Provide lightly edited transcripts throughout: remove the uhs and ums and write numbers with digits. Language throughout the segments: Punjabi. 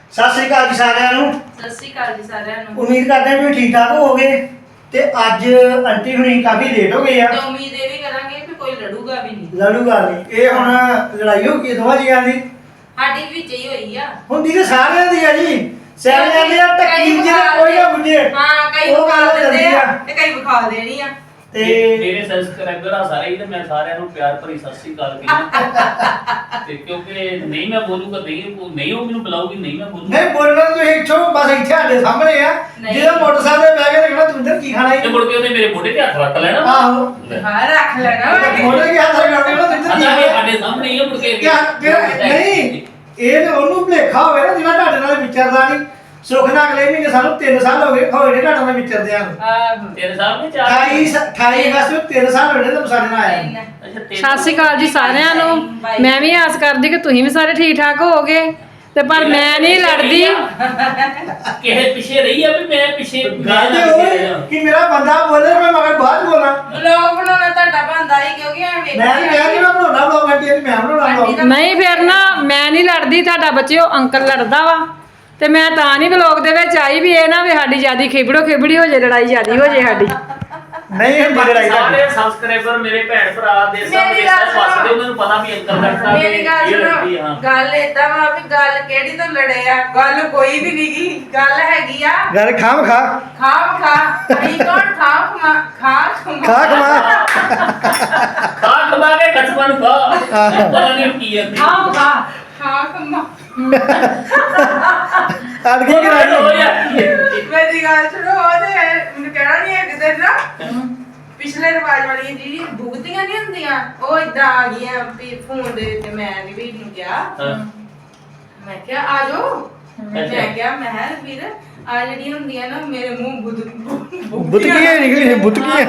ਸਤਿ ਸ੍ਰੀ ਅਕਾਲ ਜੀ ਸਾਰਿਆਂ ਨੂੰ। ਸਤਿ ਸ਼੍ਰੀ ਅਕਾਲ ਜੀ ਸਾਰਿਆਂ ਨੂੰ। ਉਮੀਦ ਕਰਦੇ ਹਾਂ ਵੀ ਠੀਕ ਠਾਕ ਹੋਵੋਗੇ ਤੇ ਅੱਜ ਆਂਟੀ ਹੁਣੀ ਕਾਫੀ ਲੇਟ ਹੋ ਗਏ ਆ ਤੇ ਉਮੀਦ ਇਹ ਵੀ ਕਰਾਂਗੇ ਕਿ ਕੋਈ ਲੜੂਗਾ ਵੀ ਨਹੀਂ। ਲੜੂਗਾ ਨਹੀਂ। ਇਹ ਹੁਣ ਲੜਾਈ ਹੋ ਗਈ ਦੋਵਾਂ ਜੀਆਂ ਦੀ, ਸਾਡੀ ਵਿੱਚ ਹੀ ਹੋਈ ਆ। ਹੁੰਦੀ ਤੇ ਸਾਰਿਆਂ ਦੀ ਆ ਜੀ। ਸਿਆਣਿਆਂ ਦੀ ਆ ਟੱਕੀ ਜਿਹੜਾ ਕੋਈ ਨਾ ਬੁੱਝੇ। ਹਾਂ ਕਈ ਉਹ ਵਿਖਾ ਗੱਲ ਦਿੰਦੇ ਹੁੰਦੀ ਆ ਆ। ਤੇ ਕਈ ਵਿਖਾ ਦੇਣੀ ਆ। ਤੇ ਮੇਰੇ ਸਬਸਕ੍ਰਾਈਬਰ ਆ ਸਾਰੇ ਹੀ ਤੇ ਮੈਂ ਸਾਰਿਆਂ ਨੂੰ ਪਿਆਰ ਭਰੀ ਸਤਿ ਸ੍ਰੀ ਅਕਾਲ ਕਹਿੰਦਾ ਤੇ ਕਿਉਂਕਿ ਨਹੀਂ ਮੈਂ ਬੋਲੂਗਾ ਨਹੀਂ ਉਹ ਮੈਨੂੰ ਬੁਲਾਉਗੀ ਨਹੀਂ ਮੈਂ ਬੋਲੂਗਾ ਨਹੀਂ ਬੋਲਣਾ ਤੁਸੀਂ ਇੱਥੋਂ ਬਸ ਇੱਥੇ ਸਾਡੇ ਸਾਹਮਣੇ ਆ। ਨਹੀਂ। ਜਿਹੜਾ ਮੋਟਰਸਾਈਕਲ ਤੇ ਬਹਿ ਕੇ ਦੇਖਣਾ ਤੁੰਦਰ ਕੀ ਖਾਣਾ ਤੇ ਹੈ। ਮੁੜ ਕੇ ਉਹਨੇ ਮੇਰੇ ਮੋਢੇ ਤੇ ਹੱਥ ਰੱਖ ਲੈਣਾ ਆਹੋ ਹਾਂ ਰੱਖ ਲੈਣਾ ਵਾ ਕਿ- ਮੋੜੇ ਕੇ ਹੱਥ ਲਗਾ ਦੇਣਾ ਤੁੰਦਰ ਕੀ ਅੱਛਾ ਖਾਣਾ ਇਹ ਹੈ। ਸਾਡੇ ਸਾਹਮਣੇ ਹੀ ਆ ਮੁੜ ਕੇ ਨਹੀਂ ਇਹ ਤੇ ਉਹਨੂੰ ਭੁਲੇਖਾ ਹੋਵੇ ਨਾ ਜਿਹੜਾ ਤੁਹਾਡੇ ਨਾਲ ਵਿਚਰਦਾ ਨਹੀਂ। ਸੁੱਖ ਨਾਲ ਅਗਲੇ ਮਹੀਨੇ ਸਾਨੂੰ 3 ਸਾਲ ਹੋ ਗਏ ਹੋਏ ਨੇ ਤੁਹਾਡੇ ਨਾਲ ਵਿਚਰਦਿਆਂ ਨੂੰ। ਆਹੋ। ਤੇਰੇ ਸਾਹਮਣੇ ਚਾਰ 28 ਅਗਸਤ 3 ਸਾਲ ਹੋ ਗਏ ਤੁਹਾਨੂੰ ਸਾਡੇ ਨਾਲ ਆਇਆ ਨੂੰ। ਅੱਛਾ ਸਤਿ ਸ਼੍ਰੀ ਅਕਾਲ ਜੀ ਸਾਰਿਆਂ ਨੂੰ। ਮੈਂ ਵੀ ਆਸ ਕਰਦੀ ਕਿ ਤੁਸੀਂ ਵੀ ਸਾਰੇ ਠੀਕ ਠਾਕ ਹੋਵੋਗੇ ਤੇ ਪਰ ਮੈਂ ਨਹੀਂ ਲੜਦੀ। ਕਿਸੇ ਪਿੱਛੇ ਰਹੀ ਆ ਵੀ ਮੈਂ ਪਿੱਛੇ ਗੱਲ ਤੇ ਉਹ ਕਿ ਮੇਰਾ ਬੰਦਾ ਬੋਲੇ ਮੈਂ ਮਗਰ ਬਾਅਦ ਬੋਲਾਂ। ਵਲੌਗ ਬਣਾਉਣਾ ਤੁਹਾਡਾ ਬੰਦਾ ਹੀ ਕਿਉਂਕਿ ਐਵੇਂ ਮੈਂ ਨਹੀਂ ਕਿਹਾ ਕਿ ਮੈਂ ਬਣਾਉਣਾ ਬਲੌਗ ਆਂਟੀ ਮੈਂ ਬਣਾਉਣਾ ਬਲੌਗ। ਨਹੀਂ ਫਿਰ ਨਾ ਮੈਂ ਨਹੀਂ ਲੜਦੀ। ਤੁਹਾਡਾ ਬੱਚਿਓ ਅੰਕਲ ਲੜਦਾ ਵਾ ਤੇ ਮੈਂ ਤਾਂ ਨਹੀਂ ਵਲੋਗ ਦੇ ਵਿੱਚ ਆਈ ਵੀ ਇਹ ਨਾ ਵੀ ਸਾਡੀ ਜਿਆਦੀ ਖਿਬੜੀ ਹੋ ਜੇ, ਲੜਾਈ ਜਿਆਦੀ ਹੋ ਜੇ ਸਾਡੀ। ਨਹੀਂ ਹੁੰਦੀ ਲੜਾਈ ਸਾਰੇ ਤੁਹਾਡੀ। ਸਬਸਕ੍ਰਾਈਬਰ ਮੇਰੇ ਭੈਣ ਭਰਾ ਦੇ ਮੇਰੀ ਸਾਹਮਣੇ ਗੱਲ ਸਭ ਵਸਦੇ ਉਹਨਾਂ ਨੂੰ ਪਤਾ ਵੀ ਅੰਕਲ ਲੜਦਾ ਵੀ ਮੇਰੀ ਗੱਲ ਇਹ ਲੜਦੀ ਆ ਸੁਣੋ। ਹਾਂ ਗੱਲ ਏਦਾਂ ਵਾ ਵੀ ਗੱਲ ਕਿਹੜੀ ਤੋਂ ਲੜੇ ਆ। ਗੱਲ ਕੋਈ ਵੀ ਨਹੀਂ ਗੀ। ਗੱਲ ਹੈਗੀ ਆ ਗੱਲ ਖਾਮ ਖਾ ਖਾਮ ਖਾ ਅਸੀਂ ਕੌਣ ਖਾਮ ਖਾ ਖਾ ਖਮਾ ਖਾ ਖਵਾ ਕੇ ਕਸਮਾਂ ਨੂੰ ਖਾ ਪਤਾ ਨਹੀਂ ਕੀ ਹੈ ਖਾਮ ਖਾ ਖਾ ਖਮਾ ਅੱਜ ਕੀ ਕਰਾਂਗੇ। ਮੇਰੀ ਗੱਲ ਸੁਣੋ। ਉਹਦੇ ਮੈਨੂੰ ਕਹਿਣਾ ਨਹੀਂ ਹੈ ਕਿਤੇ ਨਾ ਪਿਛਲੇ ਰਿਵਾਜ ਵਾਲੀਆਂ ਜਿਹੜੀ ਭੁਗਤੀਆਂ ਨਹੀਂ ਹੁੰਦੀਆਂ ਉਹ ਇਦਾਂ ਆ ਗਈਆਂ ਵੀ ਫੋਨ ਦੇ ਉੱਤੇ। ਮੈਂ ਵੀ ਨੂੰ ਕਿਹਾ ਮੈਂ ਕਿਹਾ ਆ ਜਾਓ। ਮੈਂ ਕਿਹਾ ਮੈਂ ਕਿਹਾ ਵੀਰ ਆ ਜਿਹੜੀਆਂ ਹੁੰਦੀਆਂ ਨਾ ਮੇਰੇ ਮੂੰਹ ਬੁੱਤਕੀਆਂ ਨਿਕਲੀ ਬੁੱਤਕੀਆਂ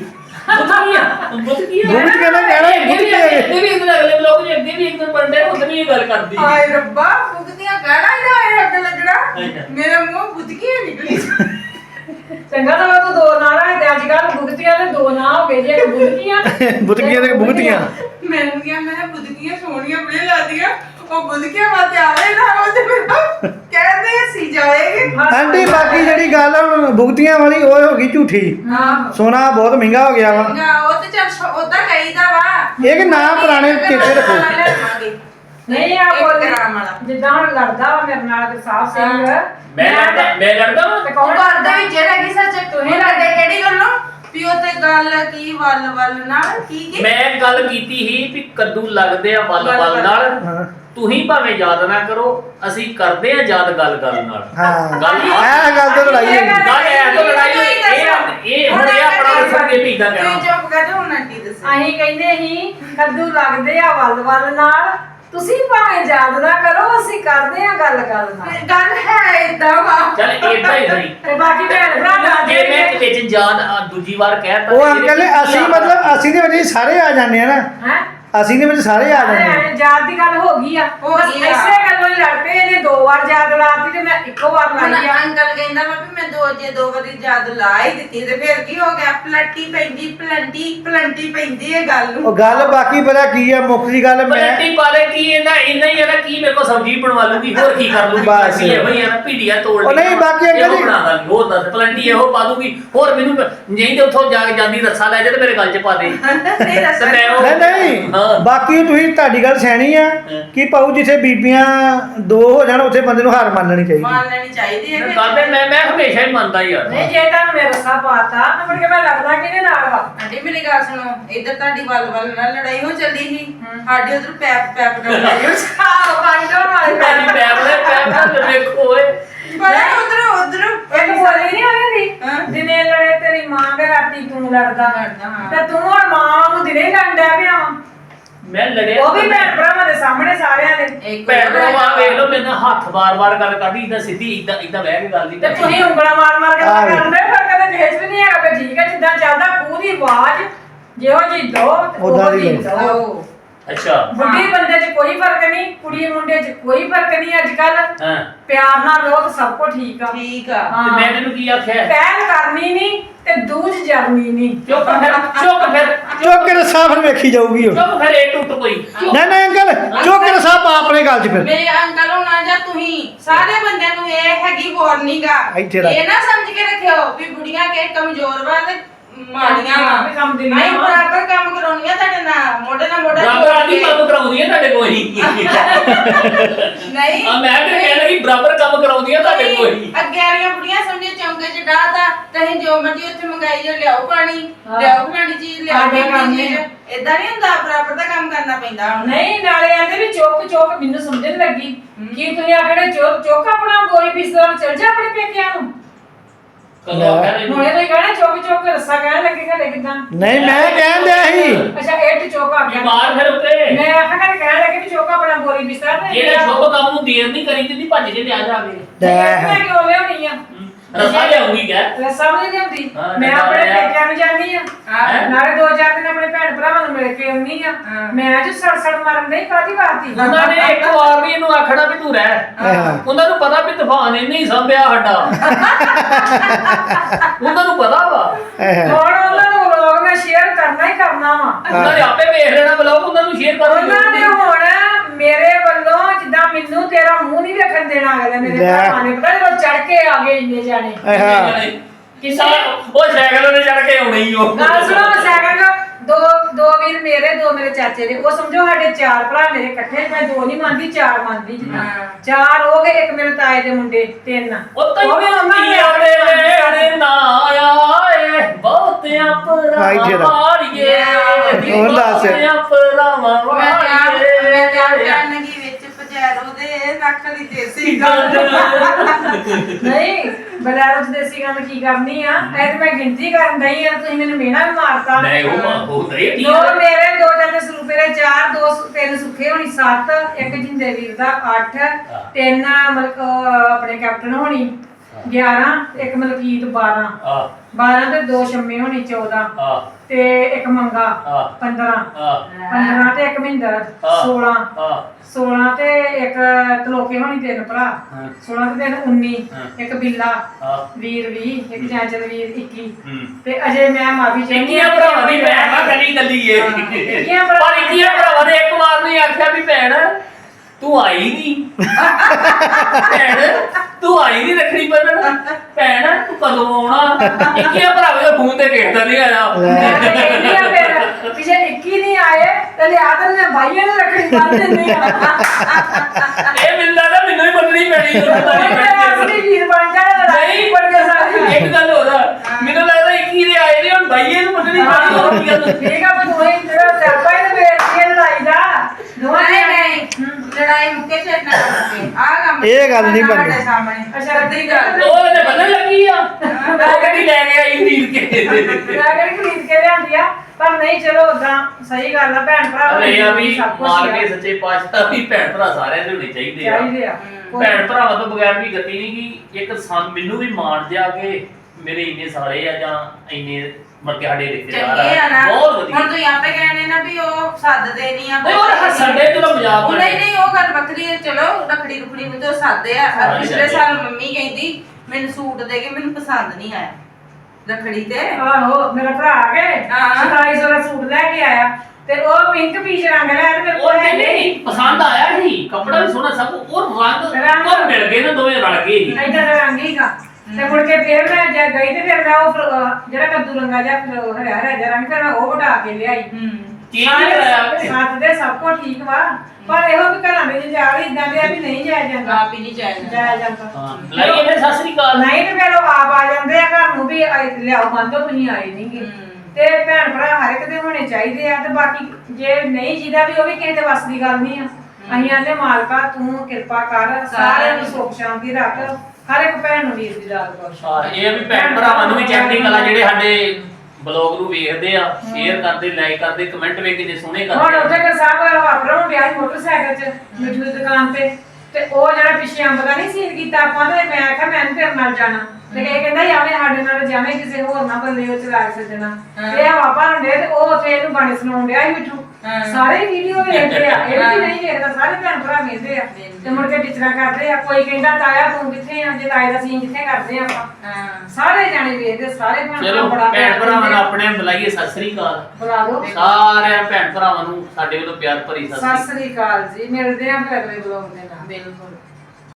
ਬੁੱਤ ਕੀ ਬੁੱਤ ਕਹਿੰਦਾ ਕਹਿਣਾ ਅੱਗੇ ਵੀ ਅਗਲੇ ਲੋਕ ਜੇ ਅੱਗੇ ਵੀ ਇੱਕ ਦਿਨ ਬੰਦੇ ਹੁੰਦੇ ਵੀ ਇਹ ਗੱਲ ਕਰਦੀ ਆਏ ਰੱਬਾ ਭੁਗਤੀਆਂ ਕਹਿਣਾ ਹੀ ਨਾ ਇਹ ਅੱਗ ਲੱਗਣਾ। ਅੱਛਾ। ਮੇਰਾ ਮੂੰਹ ਬੁੱਤਕੀਆਂ ਨਿਕਲੀ। ਚੰਗਾ ਤਾਂ ਉਹ ਦੋ ਨਾਂ ਰੱਖਦੇ ਅੱਜ ਕੱਲ ਬੁਗਤੀਆਂ ਦੇ ਦੋ ਨਾਂ ਹੋ ਗਏ ਜੇ ਬੁਗਤੀਆਂ ਬੁੱਤਕੀਆਂ ਤੇ ਬੁੱਤਕੀਆਂ। ਮੈਨੂੰ ਕਿਹਾ ਮੈਂ ਬੁੱਧਕੀਆਂ ਸੋਹਣੀਆਂ ਬੜੇ ਲੱਗਦੀਆਂ। ਉਹ ਬੁੱਧਕੀਆਂ ਵਾਤੇ ਆਵੇ ਨਾ ਉਹ ਤੇ ਮੇਰਾ ਕਹਿੰਦੇ ਅਸੀਂ ਜਾਏਗੇ। ਆਂਟੀ ਬਾਕੀ ਜਿਹੜੀ ਗੱਲ ਆ ਹੁਣ ਭੁਗਤੀਆਂ ਵਾਲੀ ਉਹ ਹੋ ਗਈ ਝੂਠੀ। ਆਹੋ ਸੋਨਾ ਬਹੁਤ ਮਹਿੰਗਾ ਹੋ ਗਿਆ ਵਾ। ਉਹ ਤੇ ਚੱਲ ਉਦਾਂ ਕਹੀਦਾ ਵਾ। ਇਹ ਕਿ ਨਾ ਪੁਰਾਣੇ ਚੇਤੇ ਰੱਖੋ। ਨਹੀਂ ਆ ਇੱਕ ਬੋਲ ਗ੍ਰਾਮ ਵਾਲਾ। ਜਿੱਦਾਂ ਹੁਣ ਲੜਦਾ ਵਾ ਮੇਰੇ ਨਾਲ ਗੁਰਸਾਹਿਬ ਸਿੰਘ। ਮੈਂ ਲੜਦਾ ਵਾਂ। ਤੇ ਉਹ ਕੌਣ ਘਰ ਦੇ ਵਿੱਚ ਜਿਹੜਾ ਕਿ ਸੱਚ ਤੁਸੀਂ ਲੜਦੇ ਕਿਹੜੀ ਗੱਲੋਂ ਵੀ ਉਹ ਤੇ ਗੱਲ ਕੀ ਵੱਲ ਨਾਲ ਕੀ ਮੈਂ ਗੱਲ ਕੀਤੀ ਸੀ ਵੀ ਕੱਦੂ ਲੱਗਦੇ ਆ ਵੱਲ ਨਾਲ ਹਾਂ ਤੁਸੀਂ ਭਾਵੇਂ ਯਾਦ ਨਾ ਕਰੋ ਅਸੀਂ ਕਰਦੇ ਆ ਯਾਦ ਗੱਲ ਨਾਲ ਹਾਂ ਗੱਲ ਇਹ ਗੱਲ ਤੋਂ ਲੜਾਈ ਹੋਈ। ਗੱਲ ਐ ਤੋਂ ਲੜਾਈ ਹੋਈ। ਇਹ ਹੁਣ ਇਹ ਆਪਣਾ ਦੱਸਣਗੇ ਵੀ ਇਦਾਂ ਤੁਸੀਂ ਕਹਿਣਾ ਚੁੱਪ ਕਰਦੇ ਹੁਣ ਆਂਟੀ ਦੱਸੋ। ਅਸੀਂ ਕਹਿੰਦੇ ਸੀ ਕੱਦੂ ਲੱਗਦੇ ਆ ਵੱਲ ਨਾਲ। ਤੁਸੀਂ ਭਾਵੇਂ ਯਾਦ ਨਾ ਕਰੋ ਅਸੀਂ ਕਰਦੇ ਆ ਗੱਲ ਨਾਲ। ਗੱਲ ਹੈ ਇਦਾਂ ਵਾ। ਚੱਲ ਏਦਾਂ ਹੀ ਸਹੀ ਤੇ ਬਾਕੀ ਭੈਣ ਭਰਾ ਦੱਸ ਜੇ ਮੈਂ ਦੇਣਗੇ। ਵਿੱਚ ਯਾਦ ਦੂਜੀ ਵਾਰ ਕਹਿਤਾ ਉਹ ਅੰਕਲ ਨੇ ਅਸੀਂ ਮਤਲਬ ਅਸੀਂ ਦੇ ਵਿੱਚ ਸਾਰੇ ਆ ਜਾਂਦੇ ਆ ਨਾ। ਹੈਂ? ਅਸੀਂ ਦੇ ਵਿੱਚ ਸਾਰੇ ਆ ਜਾਂਦੇ ਆ। ਯਾਦ ਦੀ ਗੱਲ ਹੋ ਗਈ ਆ। ਹੋ ਗਈ ਆ। ਇਸੇ ਗੱਲੋਂ ਹੀ ਲੜ ਪਏ। ਇਹਨੇ 2 ਵਾਰ ਯਾਦ ਲਾਤੀ ਤੇ ਮੈਂ ਇੱਕੋ ਵਾਰ ਹੁਣ ਲਾਈ ਆ। ਅੰਕਲ ਕਹਿੰਦਾ ਵਾ ਵੀ ਮੈਂ ਦੋ ਵਾਰੀ ਜਦ ਲਾ ਹੀ ਦਿੱਤੀ ਤੇ ਫਿਰ ਕੀ ਹੋ ਗਿਆ। ਪਲੰਟੀ ਪੈਂਦੀ ਹੈ ਗੱਲ ਨੂੰ। ਉਹ ਗੱਲ ਬਾਕੀ ਪਤਾ ਕੀ ਆ ਮੁੱਖ ਦੀ ਗੱਲ ਮੈਂ ਪਲਟੀ ਪਾਰੇ ਕੀ ਇੰਨਾ ਹੀ ਆ ਨਾ ਕੀ ਮੇਰੇ ਕੋ ਸਬਜ਼ੀ ਬਣਵਾ ਲੂਗੀ ਹੋਰ ਕੀ ਕਰ ਲੂਗੀ ਬਸ। ਪਲਟੀ ਇਹੋ ਹੀ ਆ ਨਾ ਭੀੜੀਆਂ ਤੋੜ ਉਹ ਨਹੀਂ, ਬਾਕੀ ਅੰਕਲ ਜੀ- ਬਣਾ ਦਾਂਗੀ ਹੋਰ ਦੱਸ ਪਲਟੀ ਇਹੋ ਪਾ ਦੂਗੀ ਹੋਰ ਮੈਨੂੰ ਨਹੀਂ ਤੇ ਉੱਥੋਂ ਜਾ ਕੇ ਜਾਂਦੀ ਰੱਸਾ ਲੈ ਜਾ ਤੇ ਮੇਰੇ ਗਲ 'ਚ ਪਾ ਦੇ ਨਹੀਂ ਦੱਸ ਤੇ ਮੈਂ ਉਹ- ਨਹੀਂ ਹਾਂ। ਬਾਕੀ ਤੁਸੀਂ ਤੁਹਾਡੀ ਗੱਲ ਸਿਆਣੀ ਆ ਕਿ ਪਾਉ ਜਿੱਥੇ ਬੀਬੀਆਂ 2 ਹੋ ਜਾਣ ਉੱਥੇ ਬੰਦੇ ਨੂੰ ਹਾਰ ਮੰਨਣੀ ਚਾਹੀਦੀ। ਮੰਨ ਲੈਣੀ ਚਾਹੀਦੀ ਹੈ ਕਰਦੇ ਮੈਂ ਹਮੇਸ਼ਾ ਹੀ ਮੰਨਦਾ ਯਾਰ ਨਹੀਂ ਜੇ ਤੁਹਾਨੂੰ ਮੇਰਾ ਰੱਸਾ ਪਾਤਾ ਤਾਂ ਮੁੜ ਕੇ ਮੈਂ ਲੱਗਦਾ ਕਿਹਦੇ ਨਾਲ ਵਾ। ਆਂਟੀ ਮੇਰੀ ਗੱਲ ਸੁਣੋ। ਇੱਧਰ ਤੁਹਾਡੀ ਵੱਲ ਨਾਲ ਲੜਾਈ ਹੋ ਚੱਲੀ ਸੀ। ਸਾਡੀ ਉਧਰ ਪੈਪ ਨਾਲ ਲੜਾਈ ਹੋ ਆਹ ਪੰਡੋਂ ਵਾਲੇ ਮੇਰੀ ਪੈਪ ਨਾਲ ਵੇਖੋ ਓਏ ਪਰ ਉਧਰ ਇੱਕ ਬੋਲੀ ਨਹੀਂ ਹੋਈ ਹਾਂ। ਹੁੰਦੀ ਦਿਨੇ ਲੜੇ ਤੇਰੀ ਮਾਂ ਤੇ ਰਾਤੀ ਤੂੰ ਲੜਦਾ ਹਾਂ। ਤੇ ਤੂੰ ਹੁਣ ਮਾਂ ਨੂੰ ਦਿਨੇ ਲੜਦਾ ਪਿਆ ਵਾ। ਮੈਂ ਲੜਿਆ ਉਹ ਵੀ ਭੈਣ ਭਰਾਵਾਂ ਦੇ ਸਾਹਮਣੇ ਸਾਰਿਆਂ ਦੇ। ਭੈਣ ਭਰਾਵਾ ਵੇਖ ਲਓ ਮੇਰੇ ਨਾਲ ਹੱਥ ਵਾਰ-ਵਾਰ ਗੱਲ ਕਰਦੀ ਇਦਾਂ ਸਿੱਧੀ ਇਦਾਂ ਬਹਿ ਕੇ ਗੱਲ ਨਹੀਂ ਤੇ ਤੁਸੀਂ ਉਂਗਲਾਂ ਮਾਰ ਕੇ ਆਹ ਵੇਖ। ਕਰਦੇ ਫਿਰ ਕਦੇ ਵੇਚ ਵੀ ਨਹੀਂ ਹੈਗਾ ਵੀ ਠੀਕ ਹੈ ਜਿੱਦਾਂ ਚੱਲਦਾ ਖੂਹ ਦੀ ਆਵਾਜ਼ ਜਿਹੋ ਜੀ ਦੋ ਉੱਦਾਂ ਦੀ ਲਓ। ਦੋ। ਅੱਛਾ ਬੁੱਢੀ ਬੰਦੇ 'ਚ ਕੋਈ ਫਰਕ ਨਹੀਂ, ਕੁੜੀ ਮੁੰਡੇ 'ਚ ਕੋਈ ਫਰਕ ਨਹੀਂ ਅੱਜ ਕੱਲ। ਹਾਂ ਪਿਆਰ ਨਾਲ ਰਹੋ ਤਾਂ ਸਭ ਕੁਝ ਠੀਕ ਆ। ਠੀਕ ਆ। ਤੇ ਮੈਂ ਤੈਨੂੰ ਕੀ ਆਖਿਆ ਪਹਿਲ ਕਰਨੀ ਨਹੀਂ ਤੇ ਦੂਜ ਜਰਨੀ ਨਹੀਂ। ਚੁੱਪ ਫਿਰ ਚੁੱਕ ਕੇ ਰਸਾ ਫਿਰ ਵੇਖੀ ਜਾਊਗੀ ਉਹ। ਚੁੱਪ ਫਿਰ ਇਹ ਟੁੱਟ ਕੋਈ ਨਹੀਂ ਨਹੀਂ ਅੰਕਲ ਚੁੱਕ ਕੇ ਰਸਾ ਪਾ ਆਪਣੇ ਗੱਲ 'ਚ ਫਿਰ। ਮੇਰੇ ਅੰਕਲ ਹੋਣਾ ਜਾਂ ਤੁਸੀਂ ਸਾਰੇ ਬੰਦਿਆਂ ਨੂੰ ਇਹ ਹੈਗੀ ਵਾਰਨਿੰਗ ਆ। ਇੱਥੇ ਰੱਖ। ਇਹ ਨਾ ਸਮਝ ਕੇ ਰੱਖਿਓ ਵੀ ਬੁੜੀਆਂ ਕੇ ਕਮਜ਼ੋਰ ਵਾ ਤੇ ਮਾੜੀਆਂ ਵੀ ਕੰਮ ਵਾ। ਦਿੰਦੀਆਂ ਨਹੀਂ ਵਾਂ। ਬਰਾਬਰ ਕੰਮ ਕਰਾਉਣੀਆਂ ਤੁਹਾਡੇ ਨਾਲ, ਮੋਢੇ ਨਾਲ ਮੋਢਾ ਬਰਾਬਰ ਜੋੜ ਆਦੀ ਕੇ। ਕੰਮ ਕਰਾਉਂਦੀਆਂ ਤੁਹਾਡੇ ਕੋਈ ਨਹੀਂ ਆ ਮੈਂ ਤੇ ਕਹਿ ਰਹੀ ਬਰਾਬਰ ਕੰਮ ਕਰਾਉਂਦੀਆਂ ਤੁਹਾਡੇ ਕੋਈ ਅੱਗੇ ਵਾਲੀਆਂ ਬੁੜੀਆਂ ਸਮਝੇ ਚੌਂਕੇ 'ਚ ਡਾਹਤਾ ਤੇ ਜੋ ਮਰਜੀ ਉੱਥੇ ਮੰਗਾਈ ਜੋ ਲਿਆਓ ਪਾਣੀ, ਹਾਂ। ਲਿਆਓ ਫਲਾਣੀ ਚੀਜ਼, ਲਿਆਓ ਸਾਡੇ ਫਲਾਣੀ ਕੰਮ ਚੀਜ਼। ਨੇ। ਏਦਾਂ ਨਹੀਂ ਹੁੰਦਾ, ਬਰਾਬਰ ਦਾ ਕੰਮ ਕਰਨਾ ਪੈਂਦਾ ਹੁਣ। ਨਹੀਂ ਨਾਲੇ ਆਂਦੇ ਵੀ ਚੁੱਕ ਮੈਨੂੰ ਸਮਝਣ ਲੱਗੀ ਕੀ ਤੁਸੀਂ ਆਖੜੇ ਚੁੱਕ ਆਪਣਾ ਗੋਰੀ ਪਿਸਤੌਲ ਚਲ ਜਾ ਆਪਣੇ ਪੇਕਿਆਂ ਨੂੰ। ਕਦੋਂ ਕਹਿੰਦੇ ਹੁਣੇ ਤੁਸੀਂ ਕਹਿਣਾ ਚੁੱਕ ਰੱਸਾ ਕਹਿਣ ਲੱਗੇ ਘਰੇ ਕਿਦਾਂ। ਨਹੀਂ ਮੈਂ ਕਹਿਣ ਦਿਆ ਸੀ ਅੱਛਾ ਇੱਟ ਚੁੱਕ ਆ ਗਿਆ। ਬਿਮਾਰ ਫਿਰ ਉੱਤੇ ਮੈਂ ਆਖਾਂ ਕਹਿਣ ਲੱਗੇ ਵੀ ਚੁੱਕ ਆਪਣਾ ਗੋਰੀ ਪਿਸਤੌਲ ਤੇ ਜਿਹੜੇ ਸ਼ੁਭ ਕੰਮ ਨੂੰ ਦੇਰ ਨਹੀਂ ਕਰੀ ਦਿੰਦੀ ਭੱਜ ਕੇ ਲਿਆ ਜਾਵੇ ਮੈਂ ਕਿਉਂ ਲਿਆਉਣੀ ਆ ਰਸਾ ਲਿਆਉਂਗੀ ਕਹਿ ਰੱਸਾ ਵੀ ਨਹੀਂ ਹੁੰਦੀ। ਹਾਂ, ਮੈਂ ਰੱਸਾ ਆਪਣੇ ਲਿਆ। ਪੇਕਿਆਂ ਨੂੰ ਜਾਂਦੀ ਆ ਹਾਂ। ਨਾਲੇ 2-4 ਦਿਨ ਆਪਣੇ ਭੈਣ ਭਰਾਵਾਂ ਨੂੰ ਮਿਲ ਕੇ ਆਉਣੀ ਆ। ਹਾਂ। ਮੈਂ ਜੋ ਸੜ ਮਰਨ ਨਹੀਂ ਕਾਦੀ ਬਾਤੀ। ਉਹਨਾਂ ਨੇ ਇੱਕ ਵਾਰ ਵੀ ਇਹਨੂੰ ਆਖਣਾ ਵੀ ਤੂੰ ਰਹਿ ਹਾਂ। ਉਹਨਾਂ ਨੂੰ ਪਤਾ ਵੀ ਤੂਫਾਨ ਇਹਨੇ ਹੀ ਸੰਭਿਆ ਸਾਡਾ ਉਹਨਾਂ ਨੂੰ ਪਤਾ ਵਾ ਹੁਣ ਉਹਨਾਂ ਨੂੰ ਵਲੌਗ ਮੈਂ ਸ਼ੇਅਰ ਕਰਨਾ ਹੀ ਕਰਨਾ ਵਾ। ਉਹਨਾਂ ਨੇ ਆਪੇ ਵੇਖ ਲੈਣਾ ਬਲੌਗ ਉਹਨਾਂ ਨੂੰ ਸ਼ੇਅਰ ਕਰੋ ਉਹਨਾਂ ਨੇ ਹੁਣ ਮੇਰੇ ਵੱਲੋਂ ਜਿੱਦਾਂ ਮੈਨੂੰ ਤੇਰਾ ਮੂੰਹ ਨਹੀਂ ਵੇਖਣ ਦੇਣਾ ਅਗਲੇ ਮੇਰੇ ਲੈ। ਭਰਾਵਾਂ ਨੇ ਪਤਾ ਜਦੋਂ ਚੜ ਕੇ ਆ ਗਏ ਇੰਨੇ ਜਾਣੇ। ਕਿਸਾ ਉਹ ਸਾਈਕਲ ਉਹਨੇ ਚੜ ਕੇ ਆਉਣੀ ਹੀ ਉਹ ਗੱਲ ਸੁਣੋ ਸੈਕਿੰਡ ਦੋ ਵੀਰ ਮੇਰੇ ਦੋ ਮੇਰੇ ਚਾਚੇ ਦੇ ਉਹ ਸਮਝੋ ਸਾਡੇ 4 ਭਰਾ ਮੇਰੇ ਇਕੱਠੇ ਮੈਂ 2 ਨਹੀਂ ਮੰਨਦੀ 4 ਮੰਨਦੀ ਜਿੱਦਾਂ ਹਾਂ। 4 ਹੋ ਗਏ ਇੱਕ ਮੇਰੇ ਤਾਏ ਦੇ ਮੁੰਡੇ 3 ਉਹ ਤਾਂ ਵੀ ਉਹਨਾਂ ਨੇ ਤੀਆਂ ਦੇ ਨਾ ਆਏ ਬਹੁਤਿਆਂ ਆਈ ਜਿਹੜਾ। ਪਰਾਂ ਵਾਲੀਏ ਉਹ ਦੱਸ। ਬਹੁਤਿਆਂ ਪਰਾਂ ਮੈਂ ਵਾਲੀਏ ਜਾਣਗੀ ਵਿੱਚ ਪਜੈਰੋ ਦੇ ਨੱਕ ਦੀ ਦੇਸੀ ਗੱਲ। ਨਹੀਂ ਬਲੈਰੋ ਚ ਦੇਸੀ ਗੱਲ ਕੀ ਕਰਨੀ ਆ ਇਹ ਤੇ ਮੈਂ ਗਿਣਤੀ ਕਰਨ ਡਈ ਆ ਤੁਸੀਂ ਮੈਨੂੰ ਮੇਣਾ ਵੀ ਮਾਰਤਾ। ਨਹੀਂ ਉਹ ਨਹੀਂ ਦੋ ਮੇਰੇ 2 ਚਾਚੇ ਸਰੂਪੇ ਦੇ 4 2 3 ਸੁੱਖੇ ਹੋਣੀ 7 ਇੱਕ ਜਿੰਦੇ ਵੀਰ ਦਾ 8 3 ਮਤਲਬ ਆਪਣੇ ਕੈਪਟਨ ਹੋਣੀ 11 ਇੱਕ ਮਲਕੀਤ 12 ਆ 12 ਤੇ 2 ਸ਼ੰਮੇ ਹੋਣੀ 14 ਆ ਤੇ ਇੱਕ ਮੰਗਾ ਆ 15 ਆ 15 ਤੇ ਇੱਕ ਮਹਿੰਦਰ 16 ਆ 16 ਤੇ ਇੱਕ ਤਲੋਕੇ ਹੋਣੀ 3 ਭਰਾ 16 ਤੇ 3 19 ਇੱਕ ਬਿੱਲਾ ਵੀਰ 20 ਇੱਕ ਚਾਚਾ ਵੀਰ 21 ਤੇ ਅਜੇ ਮੈਂ ਮਾਫੀ ਚਾਹੁੰਦੀ ਇੱਕੀਆਂ ਭਰਾਵਾਂ ਦੀ ਭੈਣ ਆ ਕਲੀ ਗੱਲੀ ਏ ਇੱਕੀਆਂ ਭਰਾ- ਪਰ ਇੱਕੀਆਂ ਭਰਾਵਾਂ ਨੇ ਇੱਕ ਵਾਰ ਨਹੀਂ ਆਖਿਆ ਵੀ ਭੈਣ ਤੂੰ ਆਈ ਨਹੀਂ ਭੈਣ ਤੂੰ ਆਈ ਨਹੀਂ ਰੱਖੜੀ ਬੰਨਣ ਭੈਣ ਤੂੰ ਕਦੋਂ ਆਉਣਾ ਇੱਕੀਆਂ ਭਰਾਵਾਂ ਦੇ ਫੋਨ ਤੇ ਕਿਹਦਾ ਨਹੀਂ ਆਇਆ ਮੈਂ ਤਾਂ ਕਹਿੰਦੀ ਆ ਫਿਰ ਕਿਸੇ 21 ਨਹੀਂ ਆਏ ਤੇ ਲਿਆ ਤਾਂ ਮੈਂ ਬਾਈਆਂ ਨੂੰ ਰੱਖੜੀ ਬੰਨ ਦਿੰਦੀ ਆ ਇਹ ਮਿਲਦਾ ਨਾ ਮੈਨੂੰ ਹੀ ਬੰਨਣੀ ਪੈਣੀ ਮੈਂ ਆਪਣੀ ਵੀਰ ਬਣ ਜਾਣਾ ਲੜਾਈ ਬਣ ਜਾ ਸਾਰੀ ਇੱਕ ਗੱਲ ਹੋਰ ਆ ਮੈਨੂੰ ਲੱਗਦਾ 21 ਦੇ ਆਏ ਨੇ ਹੁਣ ਬਾਈਏ ਨੂੰ ਬੰਨਣੀ ਪੈਣੀ ਹੋਰ ਕੀ ਗੱਲ ਠੀਕ ਆ ਪਰ ਦੋਵੇਂ ਜਿਹੜਾ ਸਿਆਪਾ ਹੀ ਬੇਟੀ ਲੜਾਈ ਦਾ ਦੋਵਾਂ ਨਹੀਂ ਨੇ ਨਹੀਂ ਲੜਾਈ ਮੁੱਕੇ ਛੇੜ ਨਾ ਮੁੱਕੇ ਆ ਕੰਮ ਇਹ ਗੱਲ ਨਹੀਂ ਬਣਨੀ। ਸਾਡੇ ਸਾਹਮਣੇ ਅੱਛਾ ਸੱਚੀ ਗੱਲ ਉਹ ਇਹਨੇ ਬੰਨਣ ਲੱਗੀ ਆ ਉਹ ਕਦੀ ਲੈ ਕੇ ਆਈ ਵੀਰ ਕੇ ਮੈਂ ਕਿਹੜੀ ਖਰੀਦ ਕੇ ਲਿਆਂਦੀ ਆ ਪਰ ਨਹੀਂ ਚਲੋ ਉਦਾਂ ਸਹੀ ਗੱਲ ਆ ਭੈਣ ਭਰਾ ਇਹ ਆ ਵੀ ਸਭ ਕੁਛ ਮਾਰ ਹੀ ਆ। ਕੇ ਸੱਚੇ ਪਾਤਸ਼ਾਹ ਵੀ ਭੈਣ ਭਰਾ ਸਾਰਿਆਂ ਦੇ ਹੋਣੇ ਚਾਹੀਦੇ ਆ ਚਾਹੀਦੇ ਆ ਭੈਣ ਭਰਾਵਾਂ ਤੋਂ ਬਗੈਰ ਵੀ ਗਤੀ ਨਹੀਂ ਗੀ ਇੱਕ ਮੈਨੂੰ ਵੀ ਮਾਣ ਜਾ ਕੇ ਮੇਰੇ ਇੰਨੇ ਸਾਲੇ ਆ ਜਾਂ ਇੰਨੇ ਮਰ ਕੇ ਸਾਡੇ ਰਿਸ਼ਤੇਦਾਰ ਚੰਗੇ ਆ ਨਾ ਬਹੁਤ ਹੁਣ ਵਧੀਆ ਤੁਸੀਂ ਆਪੇ ਕਹਿੰਦੇ ਨਾ ਵੀ ਉਹ ਸੱਦਦੇ ਨਹੀਂ ਆ ਉਹ ਹੱਸਣ ਦੇ ਚਲੋ ਮਜ਼ਾਕ ਉਹ ਬਣਾਏ। ਨਹੀਂ ਉਹ ਗੱਲ ਵੱਖਰੀ ਹੈ ਚਲੋ ਰੱਖੜੀ ਰੁਖੜੀ ਨੂੰ ਤੇ ਉਹ ਸੱਦਦੇ ਆ ਹਾਂ, ਪਿਛਲੇ ਜਾਂਦੇ। ਸਾਲ ਮੰਮੀ ਕਹਿੰਦੀ ਮੈਨੂੰ ਸੂਟ ਦੇ ਕੇ ਮੈਨੂੰ ਪਸੰਦ ਨਹੀਂ ਆਇਆ ਰੱਖੜੀ ਤੇ ਆਹੋ ਮੇਰਾ ਭਰਾ ਆ ਕੇ ਹਾਂ। 2700 ਦਾ ਸੂਟ ਲੈ ਕੇ ਆਇਆ ਤੇ ਉਹ ਪਿੰਕ ਪੀਚ ਰੰਗ ਲੈ ਤੇ ਮੇਰੇ ਉਹ ਕੋਲ ਹੈ ਨਹੀਂ ਨਹੀਂ ਪਸੰਦ ਆਇਆ ਸੀ ਕੱਪੜਾ ਵੀ ਸੋਹਣਾ ਸਭ ਉਹ ਰੰਗ। ਉਹ ਮਿਲ ਗਏ ਨਾ ਦੋਵੇਂ ਰਲ ਗਏ ਸੀ ਇਦਾਂ ਦਾ ਰੰਗ ਹੀਗਾ ਤੇ ਮੁੜ ਕੇ ਫੇਰ ਮੈਂ ਜਦ ਗਈ ਤੇ ਫਿਰ ਮੈਂ ਉਹ ਜਿਹੜਾ ਕੱਦੂ ਰੰਗਾ ਜਿਹਾ ਹਰਿਆ ਹਰਿਆ ਜਿਹਾ ਰੰਗ ਫਿਰ ਮੈਂ ਉਹ ਵਟਾ ਕੇ ਲਿਆਈ ਚੇਂਜ ਕਰਾਇਆ ਵੇ ਸੱਤ ਦੇ ਸਭ ਕੁਝ ਠੀਕ ਵਾ ਪਰ ਇਹੋ ਵੀ ਘਰਾਂ ਵਿੱਚ ਜਾ ਰਹੀ ਇਦਾਂ ਦੇ ਆ ਵੀ ਨਹੀਂ ਜਾਇਆ ਜਾਂਦਾ ਆਪ ਹੀ ਨਹੀਂ ਚਾਹੀਦਾ ਜਾਇਆ ਜਾਂਦਾ ਹਾਂ ਲਾਈਏ ਫਿਰ ਸਤਿ ਸ੍ਰੀ ਅਕਾਲ ਨਹੀਂ ਤੇ ਫਿਰ ਉਹ ਆਪ ਆ ਜਾਂਦੇ ਆ ਘਰ ਨੂੰ ਵੀ ਲਿਆਓ ਮੰਨ ਤੋਂ ਤੁਸੀਂ ਆਏ ਨਹੀਂਗੇ ਤੇ ਭੈਣ ਭਰਾ ਹਰ ਇੱਕ ਦੇ ਹੋਣੇ ਚਾਹੀਦੇ ਆ ਤੇ ਬਾਕੀ ਜੇ ਨਹੀਂ ਜਿਹਦਾ ਵੀ ਉਹ ਵੀ ਕਿਸੇ ਦੇ ਵੱਸ ਦੀ ਗੱਲ ਨਹੀਂ ਆ ਅਸੀਂ ਆਂਦੇ ਮਾਲਕਾ ਤੂੰ ਕਿਰਪਾ ਕਰ ਸਾਰਿਆਂ ਨੂੰ ਸੁੱਖ ਸ਼ਾਂਤੀ ਰੱਖ ਹਰ ਇੱਕ ਭੈਣ ਨੂੰ ਵੀਰ ਦੀ ਦਾਤ ਬਖਸ਼ ਹਾਂ ਇਹ ਵੀ ਭੈਣ ਭਰਾਵਾਂ ਨੂੰ ਵੀ ਚੈਕਿੰਗ ਕਲਾ ਜਿਹੜੇ ਸਾਡੇ ਬਲੌਗ ਨੂੰ ਵੇਖਦੇ ਆ ਸ਼ੇਅਰ ਕਰਦੇ ਲਾਈਕ ਕਰਦੇ ਕਮੈਂਟ ਵੇਖ ਕੇ ਜੇ ਸੋਹਣੇ ਹੁਣ ਕਰਦੇ ਉੱਥੇ ਕਿ ਸਾਹਿਬ ਵਾਪਰੋਂ ਗਿਆ ਸੀ ਮੋਟਰਸਾਈਕਲ 'ਚ ਮਿੱਠੂ ਦੀ ਦੁਕਾਨ ਤੇ ਉਹ ਜਿਹੜਾ ਪਿੱਛੇ ਅੰਬ ਦਾ ਨਹੀਂ ਸੀਨ ਕੀਤਾ ਆਪਾਂ ਤੇ ਮੈਂ ਆਖਿਆ ਮੈਂ ਨੀ ਤੇਰੇ ਨਾਲ ਜਾਣਾ ਤੇ ਇਹ ਕਹਿੰਦਾ ਜਾਵੇਂ ਸਾਡੇ ਨਾਲ ਜਾਵੇਂ ਕਿਸੇ ਹੋਰ ਨਾ ਬੰਦੇ ਉਹ ਚਲਾ ਕੇ ਸੱਜਣਾ ਤੇ ਹਵਾ ਭਰਨ ਦੇ ਤੇ ਉਹ ਉੱਥੇ ਇਹਨੂੰ ਬਾਣੀ ਸੁਣਾਉਣ ਡਿਆ ਸੀ ਮਿੱਠੂ ਹਾਂ। ਸਾਰੇ ਵੀਡੀਓ ਵੇਖਦੇ ਆ, ਇਹ ਵੀ ਨਹੀਂ ਵੇਖਦਾ, ਸਾਰੇ ਭੈਣ ਭਰਾ ਵੇਖਦੇ ਆ ਤੇ ਮੁੜ ਕੇ ਟਿਚਰਾ ਕਰਦੇ ਆ। ਕੋਈ ਕਹਿੰਦਾ ਤਾਇਆ ਤੂੰ ਕਿੱਥੇ ਆ, ਜੇ ਤਾਏ ਦਾ ਸੀਨ ਕਿੱਥੇ ਕਰਦੇ ਆ ਆਪਾਂ। ਹਾਂ ਸਾਰੇ ਜਾਣੇ ਵੇਖਦੇ, ਸਾਰੇ ਭੈਣ ਭਰਾ ਚਲੋ ਬੜਾ ਭੈਣ ਪਿਆਰ ਭਰਾਵਾਂ ਦਿੰਦੇ ਨੂੰ ਆ। ਆਪਣੇ ਬੁਲਾਈਏ ਸਤਿ ਸ੍ਰੀ ਅਕਾਲ। ਬੁਲਾ ਲਓ। ਸਾਰਿਆਂ ਭੈਣ ਭਰਾਵਾਂ ਨੂੰ ਸਾਡੇ ਵੱਲੋਂ ਪਿਆਰ ਭਰੀ ਸਤਿ ਸ੍ਰੀ ਸਤਿ ਅਕਾਲ। ਸ੍ਰੀ ਅਕਾਲ ਜੀ, ਮਿਲਦੇ ਆ ਫਿਰ ਅਗਲੇ ਬਲੌਗ ਦੇ ਨਾਲ। ਬਿਲਕੁਲ